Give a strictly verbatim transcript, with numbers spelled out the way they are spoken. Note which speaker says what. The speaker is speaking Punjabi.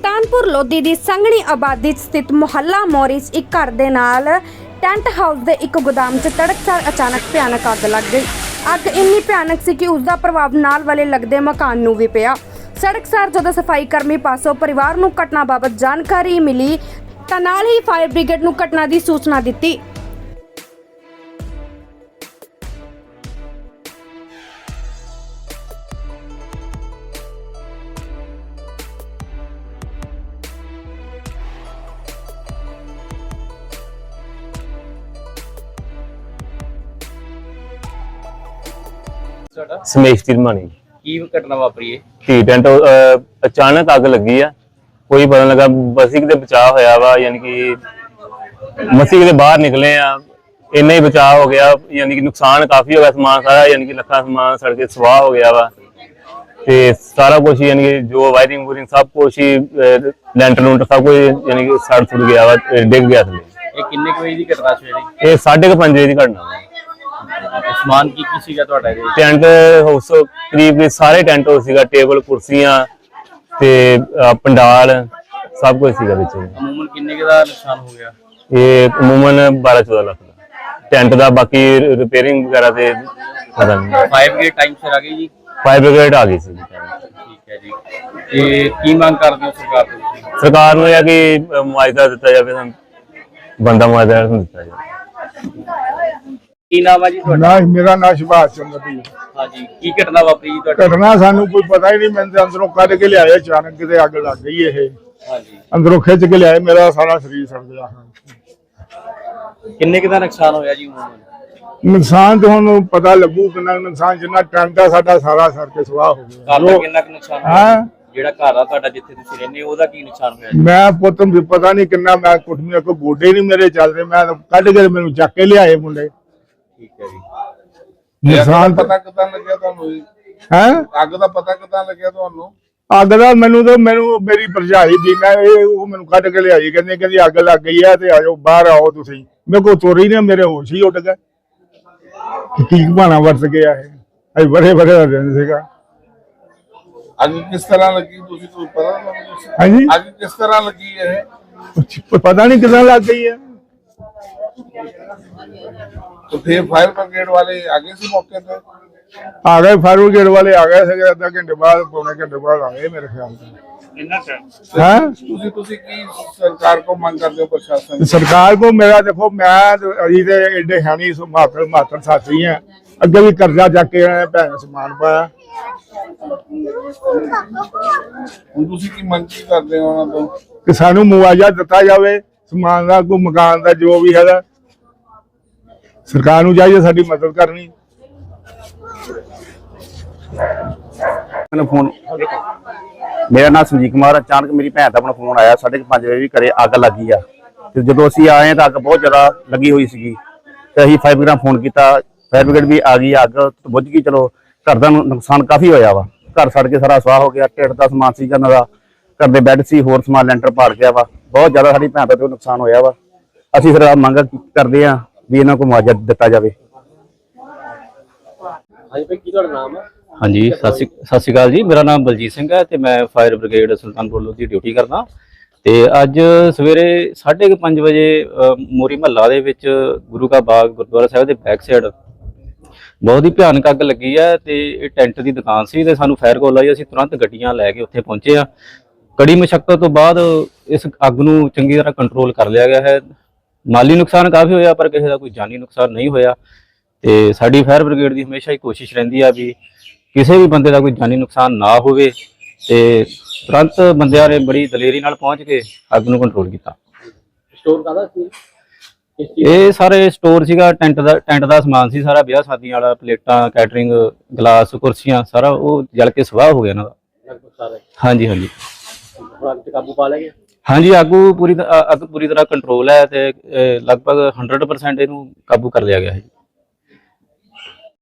Speaker 1: ਸੁਲਤਾਨਪੁਰ ਲੋਧੀ ਦੀ ਸੰਘਣੀ ਆਬਾਦੀ 'ਚ ਸਥਿਤ ਮੁਹੱਲਾ ਮੋਰੀ 'ਚ ਇੱਕ ਘਰ ਦੇ ਨਾਲ ਟੈਂਟ ਹਾਊਸ ਦੇ ਇੱਕ ਗੋਦਾਮ 'ਚ ਤੜਕਸਾਰ ਅਚਾਨਕ ਭਿਆਨਕ ਅੱਗ ਲੱਗ ਗਈ। ਅੱਗ ਇੰਨੀ ਭਿਆਨਕ ਸੀ ਕਿ ਉਸ ਦਾ ਪ੍ਰਭਾਵ ਨਾਲ ਵਾਲੇ ਲੱਗਦੇ ਮਕਾਨ ਨੂੰ ਵੀ ਪਿਆ। ਸੜਕਸਾਰ ਜਦੋਂ ਸਫਾਈ ਕਰਮੀ ਪਾਸੋਂ ਪਰਿਵਾਰ ਨੂੰ ਘਟਨਾ ਬਾਬਤ ਜਾਣਕਾਰੀ ਮਿਲੀ ਤਾਂ ਨਾਲ ਹੀ ਫਾਇਰ ਬ੍ਰਿਗੇਡ ਨੂੰ ਘਟਨਾ ਦੀ ਸੂਚਨਾ ਦਿੱਤੀ।
Speaker 2: ਸਮੇਸ਼ ਤਿਰਮਾਨੀ
Speaker 3: ਕੀ ਘਟਨਾ ਵਾਪਰੀ ਹੈ?
Speaker 2: ਟੀ ਟੈਂਟ ਅਚਾਨਕ ਅੱਗ ਲੱਗੀ ਆ, ਕੋਈ ਪਤਾ ਲੱਗਾ ਬਸ ਇੱਕ ਦੇ ਬਚਾਅ ਹੋਇਆ ਵਾ, ਯਾਨੀ ਕਿ ਮਸੀਹ ਦੇ ਬਾਹਰ ਨਿਕਲੇ ਆ, ਇੰਨਾ ਹੀ ਬਚਾਅ ਹੋ ਗਿਆ। ਯਾਨੀ ਕਿ ਨੁਕਸਾਨ ਕਾਫੀ ਹੋ ਗਿਆ, ਸਮਾਨ ਸਾਰਾ ਯਾਨੀ ਕਿ ਲੱਖਾਂ ਸਮਾਨ ਸੜ ਕੇ ਸਵਾਹ ਹੋ ਗਿਆ ਵਾ ਤੇ ਸਾਰਾ ਕੁਝ ਯਾਨੀ ਕਿ ਜੋ ਵਾਇਰਿੰਗ ਵੂਰਿੰਗ ਸਭ ਕੁਝ ਹੀ ਲੈਂਟਰ ਲੂੰਟਰ ਸਭ ਕੁਝ ਯਾਨੀ ਕਿ ਸੜ ਸੁੜ ਗਿਆ ਵਾ, ਡਿੱਗ ਗਿਆ ਥੱਲੇ।
Speaker 3: ਇਹ ਕਿੰਨੇ ਕੁ ਵਜੇ ਦੀ ਘਟਨਾ ਸਵੇਰੇ?
Speaker 2: ਇਹ ਸਾਢੇ ਕੁ ਪੰਜ ਵਜੇ ਦੀ ਘਟਨਾ ਵਾ।
Speaker 3: ਸਮਾਨ ਕੀ ਕੀ ਸੀਗਾ ਤੁਹਾਡਾ ਇਹਦੇ?
Speaker 2: ਟੈਂਟ ਹਾਊਸ ਕਰੀਬ ਸਾਰੇ ਟੈਂਟ ਹਾਊਸ ਸੀਗਾ, ਟੇਬਲ ਕੁਰਸੀਆਂ ਤੇ ਪੰਡਾਲ ਸਭ ਕੁਝ ਸੀਗਾ ਵਿੱਚ।
Speaker 3: ਅਮੂਮਨ ਕਿੰਨੇ ਕੁ ਦਾ ਨੁਕਸਾਨ ਹੋ ਗਿਆ?
Speaker 2: ਇਹ ਅਮੂਮਨ ਬਾਰਾਂ ਚੌਦਾਂ ਲੱਖ ਦਾ ਟੈਂਟ ਦਾ, ਬਾਕੀ ਰਿਪੇਅਰਿੰਗ ਵਗੈਰਾ ਤੇ ਪਤਾ ਨਹੀਂ।
Speaker 3: ਫਾਇਰ ਬ੍ਰਿਗੇਡ ਟਾਈਮ ਸਿਰ ਆ ਗਈ ਜੀ?
Speaker 2: ਫਾਇਰ ਬ੍ਰਿਗੇਡ ਆ ਗਈ ਸੀ।
Speaker 3: ਠੀਕ ਹੈ ਜੀ। ਤੇ ਕੀ ਮੰਗ ਕਰਦੇ ਹੋ ਸਰਕਾਰ ਤੋਂ ਤੁਸੀਂ?
Speaker 2: ਸਰਕਾਰ ਨੂੰ ਇਹ ਕਿ ਮੁਆਵਜ਼ਾ ਦਿੱਤਾ ਜਾਵੇ, ਸਾਨੂੰ ਬੰਦਾ ਮੁਆਵਜ਼ਾ ਦਿੱਤਾ ਜਾਵੇ।
Speaker 3: ਕੀ ਨਾਮ ਹੈ ਜੀ ਤੁਹਾਡਾ?
Speaker 4: ਨਾ ਮੇਰਾ ਨਾਮ ਸੁਭਾਸ਼ ਚੰਦਰ ਜੀ।
Speaker 3: ਹਾਂਜੀ, ਕੀ ਘਟਨਾ ਵਾਪਰੀ ਜੀ ਤੁਹਾਡੀ?
Speaker 4: ਘਟਨਾ ਸਾਨੂੰ ਕੋਈ ਪਤਾ ਹੀ ਨਹੀਂ, ਮੈਂ ਤੇ ਅੰਦਰੋਂ ਕੱਢ ਕੇ ਲਿਆਏ, ਅਚਾਨਕ ਕਿਤੇ ਅੱਗ ਲੱਗ ਗਈ। ਇਹ
Speaker 3: ਹਾਂਜੀ,
Speaker 4: ਅੰਦਰੋਂ ਖਿੱਚ ਕੇ ਲਿਆਏ, ਮੇਰਾ ਸਾਰਾ ਸਰੀਰ ਸੜ ਗਿਆ।
Speaker 3: ਕਿੰਨੇ ਕੁ ਦਾ ਨੁਕਸਾਨ ਹੋਇਆ ਜੀ ਅਮੂਮਨ?
Speaker 4: ਨੁਕਸਾਨ ਤੇ ਹੁਣ ਪਤਾ ਲੱਗੂ ਕਿੰਨਾ ਨੁਕਸਾਨ, ਜਿੰਨਾ ਟੈਂਟ ਆ ਸਾਡਾ ਸਾਰਾ ਸੜ ਕੇ ਸਵਾਹ ਹੋ ਗਿਆ।
Speaker 3: ਘਰ ਦਾ ਕਿੰਨਾ ਕੁ ਨੁਕਸਾਨ ਹੋਇਆ?
Speaker 4: ਹਾਂ,
Speaker 3: ਜਿਹੜਾ ਘਰ ਆ ਤੁਹਾਡਾ ਜਿੱਥੇ ਤੁਸੀਂ ਰਹਿੰਦੇ ਹੋ ਉਹਦਾ ਕੀ ਨੁਕਸਾਨ ਹੋਇਆ ਜੀ?
Speaker 4: ਮੈਂ ਪੁੱਤ ਨੂੰ ਪਤਾ ਨਹੀਂ ਕਿੰਨਾ, ਮੈਂ ਕੁੱਟਮੀਆਂ ਕੋ ਗੋਡੇ ਨਹੀਂ ਮੇਰੇ ਚੱਲਦੇ, ਮੈਂ ਤਾਂ ਕੱਢ ਕੇ ਮੈਨੂੰ ਚੱਕ ਕੇ ਲਿਆਏ ਮੁੰਡੇ।
Speaker 3: ਠੀਕ ਹੈ ਜੀ।
Speaker 4: ਨੁਕਸਾਨ
Speaker 5: ਪਤਾ ਕਿਦਾਂ ਲੱਗਿਆ ਤੁਹਾਨੂੰ?
Speaker 4: ਹੈ
Speaker 5: ਅੱਗ ਦਾ ਪਤਾ ਕਿਦਾਂ ਲੱਗਿਆ ਤੁਹਾਨੂੰ?
Speaker 4: ਅੱਗ ਦਾ ਮੈਨੂੰ ਤਾਂ ਮੈਨੂੰ ਮੇਰੀ ਭਰਜਾਈ ਦੀ ਮੈਂ ਇਹ ਉਹ ਮੈਨੂੰ ਕੱਢ ਕੇ ਲਿਆਈ, ਕਹਿੰਦੀ ਕਹਿੰਦੀ ਅੱਗ ਲੱਗ ਗਈ ਹੈ ਤੇ ਆਜੋ ਬਾਹਰ ਆਓ ਤੁਸੀਂ। ਮੇਰੇ ਕੋਲ ਚੋਰੀ ਨੇ, ਮੇਰੇ ਹੋਸ਼ ਹੀ ਉੱਡ ਗਏ ਕਿ ਕੀ ਬਹਾਨਾ ਵਰਤ ਗਿਆ ਇਹ। ਅਜ ਬੜੇ ਬੜੇ ਦਾ ਦਿਨ ਸੀਗਾ।
Speaker 5: ਅੱਗ ਕਿਸ ਤਰ੍ਹਾਂ ਲੱਗੀ ਤੁਸੀਂ ਤੁਹਾਨੂੰ ਪਤਾ ਤੁਹਾਨੂੰ?
Speaker 4: ਹਾਂਜੀ,
Speaker 5: ਅੱਗ ਕਿਸ ਤਰ੍ਹਾਂ ਲੱਗੀ ਇਹ?
Speaker 4: ਪਤਾ ਨਹੀਂ ਕਿਦਾਂ ਲੱਗ ਗਈ ਹੈ।
Speaker 5: तो फिर फायर ब्रिगेड वाले आगे से मौके पे
Speaker 4: आ गए, फायर ब्रिगेड वाले आ गए थे, आधा घंटे बाद पौने घंटे बाद आ गए मेरे ख्याल से। हैं
Speaker 5: ਤੁਸੀਂ ਤੁਸੀਂ ਕੀ ਸਰਕਾਰ ਕੋ ਮੰਗ ਕਰਦੇ ਹੋ ਪ੍ਰਸ਼ਾਸਨ?
Speaker 4: सरकार को मेरा देखो, मैं अभी तो एडे है नहीं, मातर मातर साथी हैं, अगे भी कर्जा जाके भैन समान पाया।
Speaker 5: ਹੁਣ ਤੁਸੀਂ ਕੀ ਮੰਗ ਕੀ ਕਰਦੇ ਹੋ ਉਹਨਾਂ ਤੋਂ?
Speaker 4: कि सानू मुआवजा दिता जाए, समान का कोई मकान का जो भी है, सरकार नूं चाहिए साडी मदद करनी।
Speaker 6: फोन मेरा नाम संजीव कुमार। अचानक मेरी भैन का अपना फोन आया, साढ़े पांच बजे भी घरे अग लग गई है। जो असीं आए तो अग बहुत ज़्यादा लगी हुई सी, तो असीं फायर ब्रिगेड फोन किया, फायर ब्रिगेड भी आ गई। अग तो बुझ गई, चलो घर का नुकसान काफ़ी होया वा, घर सड़ के सारा स्वाह हो गया। ढिड का समान सी, घर घर के बैड से होर समान लैंटर पाड़ गया वा, बहुत ज़्यादा साडी भैन का नुकसान होया वा। असीं फिर मंग करते हैं भी इन्हां को मुआवजा दिता जाए।
Speaker 3: ਹਾਂਜੀ ਭਾਈ, ਕੀ ਤੁਹਾਡਾ ਨਾਮ ਹੈ?
Speaker 7: ਹਾਂਜੀ, ਸਤਿ ਸ਼੍ਰੀ ਸਤਿ ਸ਼੍ਰੀ ਅਕਾਲ ਜੀ। ਮੇਰਾ ਨਾਮ ਬਲਜੀਤ ਸਿੰਘ ਹੈ ਤੇ ਮੈਂ fire brigade Sultanpur Lodhi duty ਕਰਦਾ। ਤੇ ਅੱਜ ਸਵੇਰੇ ਸਾਢੇ ਕੁ ਪੰਜ ਵਜੇ ਮੋਰੀ ਮਹੱਲਾ ਦੇ ਵਿੱਚ ਗੁਰੂ ਕਾ ਬਾਗ ਗੁਰਦੁਆਰਾ ਸਾਹਿਬ ਦੇ ਬੈਕ ਸਾਈਡ ਬਹੁਤ ਹੀ ਭਿਆਨਕ ਅੱਗ ਲੱਗੀ ਹੈ ਤੇ ਇਹ ਟੈਂਟ ਦੀ ਦੁਕਾਨ ਸੀ ਤੇ ਸਾਨੂੰ ਫਾਇਰ ਕਾਲ ਆਈ। ਅਸੀਂ ਤੁਰੰਤ ਗੱਡੀਆਂ ਲੈ ਕੇ ਉੱਥੇ ਪਹੁੰਚੇ ਆ। ਕੜੀ ਮੁਸ਼ੱਕਤ ਤੋਂ ਬਾਅਦ ਇਸ ਅੱਗ ਨੂੰ ਚੰਗੀ ਤਰ੍ਹਾਂ ਕੰਟਰੋਲ ਕਰ ਲਿਆ ਗਿਆ ਹੈ। ਮਾਲੀ ਨੁਕਸਾਨ ਕਾਫੀ ਹੋਇਆ ਪਰ ਕਿਸੇ ਦਾ ਕੋਈ ਜਾਨੀ ਨੁਕਸਾਨ ਨਹੀਂ ਹੋਇਆ। ਤੇ ਸਾਡੀ ਫਾਇਰ ਬ੍ਰਿਗੇਡ ਦੀ ਹਮੇਸ਼ਾ ਹੀ ਕੋਸ਼ਿਸ਼ ਰਹਿੰਦੀ ਆ ਵੀ ਕਿਸੇ ਵੀ ਬੰਦੇ ਦਾ ਕੋਈ ਜਾਨੀ ਨੁਕਸਾਨ ਨਾ ਹੋਵੇ ਤੇ ਤੁਰੰਤ ਬੰਦਿਆਂ ਨੇ ਬੜੀ ਦਲੇਰੀ ਨਾਲ ਪਹੁੰਚ ਕੇ ਅੱਗ ਨੂੰ ਕੰਟਰੋਲ ਕੀਤਾ।
Speaker 3: ਸਟੋਰ ਕਾਹਦਾ ਸੀ?
Speaker 7: ਇਹ ਸਾਰੇ ਸਟੋਰ ਸੀਗਾ, ਟੈਂਟ ਦਾ ਟੈਂਟ ਦਾ ਸਮਾਨ ਸੀ ਸਾਰਾ, ਵਿਆਹ ਸ਼ਾਦੀਆਂ ਵਾਲਾ, ਪਲੇਟਾਂ, ਕੈਟਰਿੰਗ, ਗਲਾਸ, ਕੁਰਸੀਆਂ, ਸਾਰਾ ਉਹ ਜਲ ਕੇ ਸਵਾਹ ਹੋ ਗਿਆ ਇਹਨਾਂ ਦਾ।
Speaker 3: ਲਗਭਗ ਸਾਰਾ?
Speaker 7: ਹਾਂਜੀ ਹਾਂਜੀ।
Speaker 3: ਹੁਣ ਅੱਗ ਤੇ ਕਾਬੂ ਪਾ ਲਿਆ ਗਿਆ?
Speaker 7: ਹਾਂਜੀ, ਅੱਗ ਪੂਰੀ ਅੱਗ ਪੂਰੀ ਤਰ੍ਹਾਂ ਕੰਟਰੋਲ ਹੈ ਤੇ ਲਗਭਗ ਹੰਡਰਡ ਪਰਸੈਂਟ ਇਹਨੂੰ ਕਾਬੂ ਕਰ ਲਿਆ ਗਿਆ ਹੈ।